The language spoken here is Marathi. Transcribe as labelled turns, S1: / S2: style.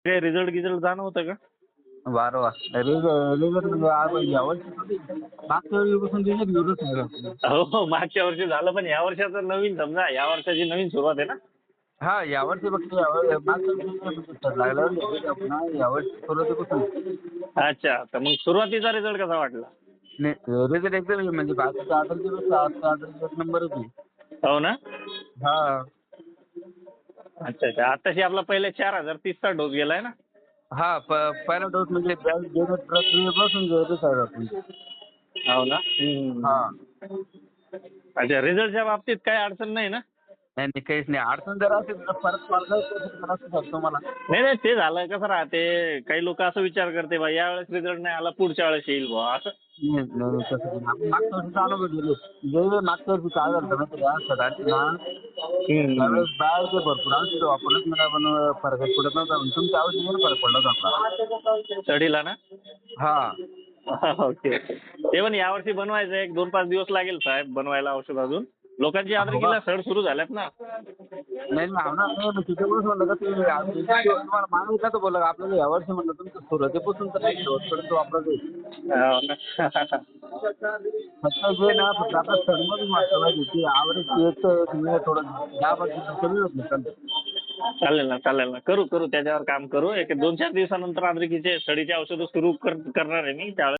S1: काही रिझल्ट गिझल्ट जाणवतं का?
S2: वारंवार रिझल्ट म्हणजे यावर्षी मागच्या वेळीपासून रिझल्ट घेऊनच नाही राहिलो.
S1: हो, मागच्या वर्षी झालं, पण या वर्षाचं नवीन समजा, या वर्षाची नवीन सुरुवात आहे ना?
S2: हा यावर्षी फक्त मागच्या वर्षी लागल्यावर यावर्षी सुरुवातीपासून
S1: अच्छा, तर मग सुरुवातीचा रिझल्ट कसा वाटला?
S2: रिझल्ट एकदम म्हणजे बाकीच्या आधारच्या एक नंबरच आहे.
S1: हो ना?
S2: हा
S1: अच्छा अच्छा. आताशी आपला पहिले 4030चा डोस गेलाय ना?
S2: हा पहिला डोस म्हणजे देण्याच्या प्रक्रियेपासून रिझल्ट
S1: हो ना?
S2: हा
S1: अच्छा, रिझल्टच्या बाबतीत काही अडचण नाही ना?
S2: नाही नाही काहीच नाही. अडचण जर असेल तर परत कॉल असू शकतो मला.
S1: नाही नाही, ते झालं कसं राहते, काही लोक असं विचार करते बा यावेळेस रिझल्ट नाही आला, पुढच्या वेळेस येईल बुवा असं.
S2: नाही नाही नाही, तसं नाही. आपण मागच्या वर्षीचा अनुभव घेतलो. जे मागच्या वर्षी काय झालं माहिती आहे का सगळ्यांनी ना
S1: हम्म.
S2: त्यावेळेस बाहेरचे भरपूर औषधं वापरत मला पण फरकच पडत नव्हता. पण तुमच्या औषधाने फरक पडला होता आपला.
S1: स्टडीला ना?
S2: हा
S1: ओके ओके. ते पण यावर्षी बनवायचं, 1-2-5 दिवस लागेल साहेब बनवायला औषध अजून. लोकांची
S2: हो का?
S1: आदरकीला सड सुरू झाल्यात ना.
S2: नाही नाही होणार नाही. मग तिच्यामुळेच म्हणलं का तुम्ही तुम्हाला मागितलं तर बोला आपल्याला यावर्षी म्हणलं तुमचं सुरुवातीपासून तर नाही शेवटपर्यंत वापरायचं आहे.
S1: हो ना.
S2: फक्त जे ना फक्त आता सणमधून वाटतं पाहिजे की आवरेज एक तुम्ही थोडं 10% कमी होत नाही.
S1: चालेल ना, चालेल ना. करू करू त्याच्यावर काम करू. 2-4 दिवसानंतर अद्रकीचे सडीचे औषधं सुरू करणार आहे मी त्यावेळेस.